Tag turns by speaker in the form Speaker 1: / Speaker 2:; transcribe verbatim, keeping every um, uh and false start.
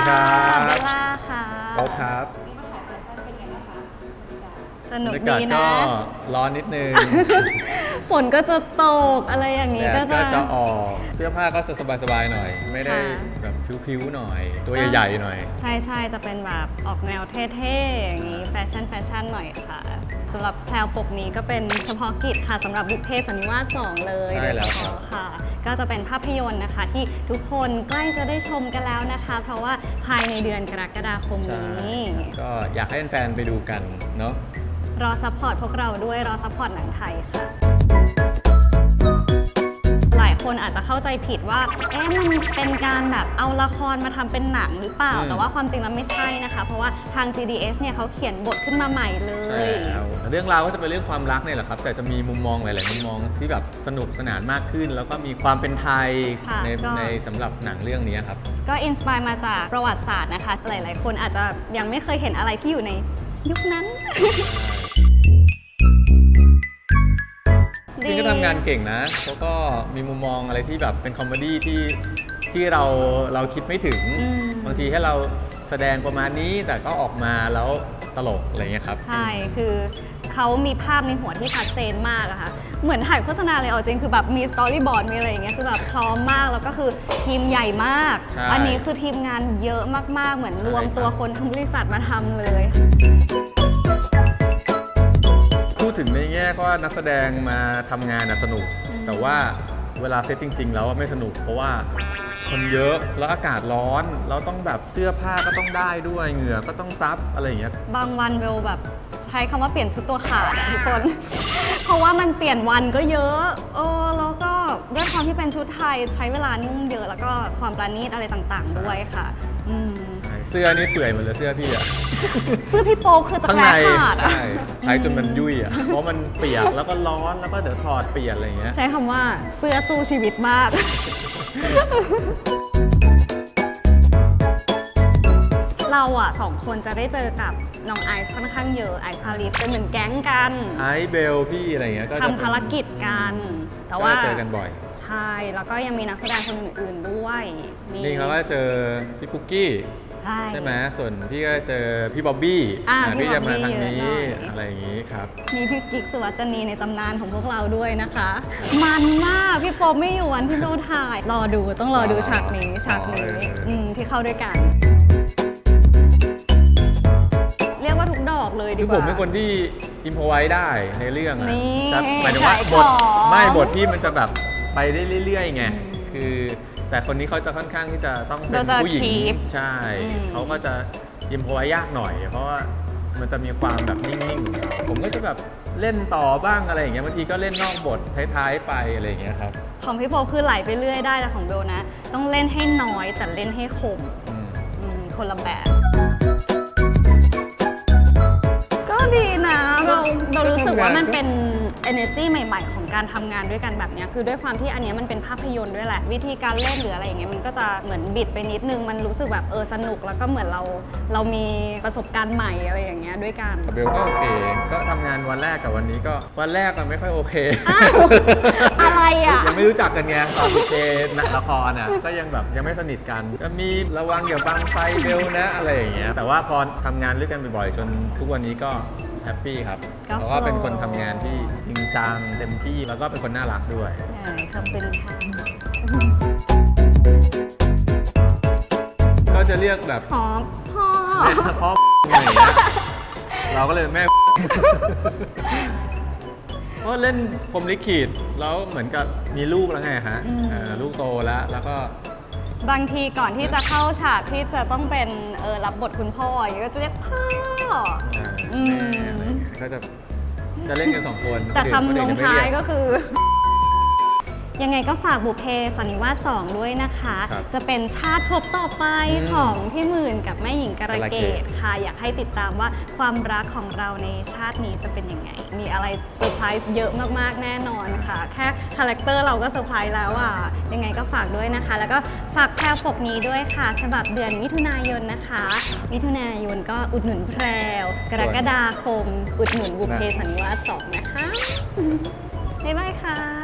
Speaker 1: ครับเบลล่าค่ะ
Speaker 2: โอ๊คครับ
Speaker 1: สนุก
Speaker 2: บรรยากาศ
Speaker 1: ดี
Speaker 2: ก็
Speaker 1: นะ
Speaker 2: ร้อนนิดนึง
Speaker 1: ฝนก็จะตกอะไรอย่างนี้
Speaker 2: แด
Speaker 1: ก็
Speaker 2: ด
Speaker 1: จะ
Speaker 2: ก็จะออกเสื้อผ้าก็จะสบายๆหน่อย ไม่ได้
Speaker 1: ค่ะ
Speaker 2: แบบพิ้วๆหน่อย ตัวใหญ่ๆหน่อย
Speaker 1: ใช่ใช่จะเป็นแบบออกแนวเท่ๆอย่างนี้แฟชั่นแฟชั่นหน่อยค่ะสำหรับแพลวปกนี้ก็เป็นเฉพาะกิจค่ะสำหรับบุพเพสันนิวาสสองเลย
Speaker 2: ใช่
Speaker 1: โดย
Speaker 2: แล้
Speaker 1: เฉ
Speaker 2: วครับ
Speaker 1: พาะค่ะ ก็จะเป็นภาพยนตร์นะคะ ที่ทุกคนใกล้จะได้ชมกันแล้วนะคะ เพราะว่าภายในเดือนกรกฎาคม
Speaker 2: ใช่
Speaker 1: นี้
Speaker 2: ก็อยากให้แฟนๆไปดูกันเนาะ
Speaker 1: รอซัพพอร์ตพวกเราด้วยรอซัพพอร์ตหนังไทยค่ะ หลายคนอาจจะเข้าใจผิดว่า เอ๊ะมันเป็นการแบบเอาละครมาทำเป็นหนังหรือเปล่า
Speaker 2: อืม
Speaker 1: แต่ว่าความจริงแล้วไม่ใช่นะคะ เพราะว่าทาง จี ดี เอช เนี่ยเขาเขียนบทขึ้นมาใหม่เล
Speaker 2: ใช่
Speaker 1: ย
Speaker 2: แล้วเรื่องราวก็จะเป็นเรื่องความรักเนี่ยแหละครับ แต่จะมีมุมมองหลายๆมุมมองที่แบบสนุกสนานมากขึ้น แล้วก็มีความเป็นไทย
Speaker 1: ค่ะ
Speaker 2: ใน
Speaker 1: ก็
Speaker 2: ในสำหรับหนังเรื่องนี้ครับ
Speaker 1: ก็อินสปายมาจากประวัติศาสตร์นะคะ หลายๆ คนอาจจะยังไม่เคยเห็นอะไรที่อยู่ในยุคนั้น
Speaker 2: จริงก็ทำงานเก่งนะเขาก็มีมุมมองอะไรที่แบบเป็นคอมเมดี้ที่ที่เราเราคิดไม่ถึง
Speaker 1: อืม
Speaker 2: บางทีให้เราแสดงประมาณนี้แต่ก็ออกมาแล้วตลกอะไรเงี้ยครับ
Speaker 1: ใช่ คือเขามีภาพในหัวที่ชัดเจนมากอะค่ะ เหมือนถ่ายโฆษณาเลยเอาจริงคือแบบมีสตอรี่บอร์ดมีอะไรอย่างเงี้ย คือแบบพร้อมมาก แล้วก็คือทีมใหญ่มาก
Speaker 2: ใช่
Speaker 1: อันนี้คือทีมงานเยอะมากๆ เหมือน
Speaker 2: ใช่
Speaker 1: รวมตัว
Speaker 2: ครับ
Speaker 1: คนทั้งบริษัทมาทำเลย
Speaker 2: พูดถึงในแง่ว่านักแสดงมาทำงานน่ะสนุก
Speaker 1: อืม
Speaker 2: แต่ว่าเวลาเซตจริง ๆ แล้วไม่สนุก เพราะว่าคนเยอะแล้วอากาศร้อนเราต้องแบบเสื้อผ้าก็ต้องได้ด้วยเหงื่อก็ต้องซับอะไรอย่างเงี้ย
Speaker 1: บางวันเบลแบบใช้คำว่าเปลี่ยนชุดตัวขาดอะทุกคน เพราะว่ามันเปลี่ยนวันก็เยอะเออแล้วก็ด้วยความที่เป็นชุดไทยใช้เวลานุ่งเยอะแล้วก็ความประณีตอะไรต่างๆ ด้วยค่ะอืม
Speaker 2: เสื้อนี่เปื่อยหมดเลยเสื้อพี่อะ
Speaker 1: เสื้อพี่โป๊คือจะ
Speaker 2: ข้าง
Speaker 1: แปร
Speaker 2: ใน
Speaker 1: ขาดอะ
Speaker 2: ใช่ใช้จนมันยุ่ยอ่ะ เพราะมันเปียกแล้วก็ร้อนแล้วก็เดี๋ยวถอดเปลี่ยนอะไรอย่างเงี้ย
Speaker 1: ใช้คำว่าเสื้อสู้ชีวิตมาก เราอะสองคนจะได้เจอกับน้องไอซ์ค่อนข้างเยอะไอซ์พาริสเป็นเหมือนแก๊งกัน
Speaker 2: ไอซ์เบลพี่อะไรอย่างเงี้ยก็จะ
Speaker 1: ทำภารกิจกัน แต่
Speaker 2: ก็
Speaker 1: ว่า
Speaker 2: จะเจอกันบ่อย
Speaker 1: ใช่แล้วก็ยังมีนักแสดงคนอื่นๆด้วยมี
Speaker 2: นี่เขาก็เจอพี่ปุกกี้
Speaker 1: ใช่
Speaker 2: ใช่ไหมส่วนพี่ก็เจอพี่บ๊อบบี้
Speaker 1: อ่า
Speaker 2: อ่า
Speaker 1: พี่
Speaker 2: พี่จะมา
Speaker 1: บ๊อบบี้
Speaker 2: ทางนี้
Speaker 1: เยอะหน่อย
Speaker 2: อะไรอย่างงี้ครับ
Speaker 1: มีพี่กิ๊กสุวัจนีในตำนานของพวกเราด้วยนะคะ มันมากพี่โฟมไม่อยู่วันที่เราถ่าย รอดูต้องรอดูฉากนี้ฉากนี้
Speaker 2: อ๋อเอออื
Speaker 1: มที่เข้าด้วยกัน เรียกว่าทุกดอกเลยดี
Speaker 2: คือก
Speaker 1: ว่า
Speaker 2: ผมเป็นคนที่อิมพอไว้ได้ในเรื่องอะ
Speaker 1: นี่
Speaker 2: แต่หมายถึงว่า
Speaker 1: ขาย
Speaker 2: บท
Speaker 1: ของ
Speaker 2: ไม่บทที่มันจะแบบไปได้เรื่อยๆไงคือแต่คนนี้เขาจะค่อนข้างที่จะต้องเป็น
Speaker 1: เราจะ
Speaker 2: ผู้หญิง
Speaker 1: keep
Speaker 2: ใช่
Speaker 1: อืม
Speaker 2: เขาก็จะอิมพอไว้ยากหน่อย เพราะว่ามันจะมีความแบบนิ่งๆของเขาผมก็จะแบบเล่นต่อบ้างอะไรอย่างเงี้ยบางทีก็เล่นนอกบทท้ายๆไปอะไรอย่างเงี้ยครับ
Speaker 1: ของพี่โฟมคือไหลไปเรื่อยได้แต่ของเบลนะ ต้องเล่นให้น้อยแต่เล่นให้คม
Speaker 2: อืม
Speaker 1: อืมคนละแบบ ก็ดีนะเราเรารู้สึกว่ามันเป็น energy ใหม่ ๆ ของการทำงานด้วยกันแบบเนี้ยคือด้วยความที่อันเนี้ยมันเป็นภาพยนตร์ด้วยแหละ วิธีการเล่นหรืออะไรอย่างเงี้ยมันก็จะเหมือนบิดไปนิดนึง มันรู้สึกแบบเออสนุกแล้วก็เหมือนเราเรามีประสบการณ์ใหม่อะไรอย่างเงี้ยด้วยกัน
Speaker 2: กับเบลก็โอเค ก็ทำงานวันแรกกับวันนี้ก็วันแรกมันไม่ค่อยโอเค
Speaker 1: อ้าว อะไรอ่ะ
Speaker 2: ยังไม่รู้จักกันไงตอนเจนละครอ่ะก็ยังแบบยังไม่สนิทกัน จะมีระวังอย่าบังไฟเบลนะอะไรอย่างเงี้ยแต่ว่าพอทำงานด้วยกันบ่อยๆจนทุกวันนี้ก็แฮปปี้ครับ
Speaker 1: ก็
Speaker 2: เพราะว่าเป็น
Speaker 1: โฟลว์
Speaker 2: คนทำงานที่จริงจังเต็มที่แล้วก็เป็นคนน่ารักด้วย
Speaker 1: ใช่ขอบคุณค่ะ
Speaker 2: ก็จะเรียกแบบ
Speaker 1: หอมพ่อ
Speaker 2: แม่พ่ออะไรอย่างเงี้ยเราก็เลยแม่ เพราะเล่นพรหมลิขิตแล้วเหมือนกับมีลูกแล้วไงฮะ
Speaker 1: อืม
Speaker 2: เอ่อลูกโตแล้วแล้วก็
Speaker 1: บางทีก่อนที่จะเข้าฉากที่จะต้องเป็นเออรับบทคุณพ่ออย่างเงี้ยก็จะเรียกพ่อ
Speaker 2: เอ่อ
Speaker 1: อืม
Speaker 2: แม่อะไรอย่างเงี้ยก็จะจะเล่นกันสองคน
Speaker 1: แต่คำลงท้าย
Speaker 2: ก็
Speaker 1: ก็คือ ยังไงก็ฝากบุพเพสันนิวาสสองด้วยนะคะ
Speaker 2: ครับ
Speaker 1: จะเป็นชาติภพต่อไป
Speaker 2: อืม
Speaker 1: ของพี่หมื่นกับแม่หญิงกระเก
Speaker 2: กระเก
Speaker 1: ต
Speaker 2: ต
Speaker 1: ค่ะ อยากให้ติดตามว่าความรักของเราในชาตินี้จะเป็นยังไง มีอะไรเซอร์ไพรส์เยอะมากๆแน่นอนค่ะ แค่คาแรคเตอร์เราก็เซอร์ไพรส์แล้วอ่ะยังไงก็ฝากด้วยนะคะ แล้วก็ฝากแพรวปกนี้ด้วยค่ะ ฉบับเดือนมิถุนายนนะคะ มิถุนายนก็อุดหนุนแพรวกรกฎาคม อุดหนุนบุพเพสันนิวาสสองนะคะบ๊ายบายค่ะ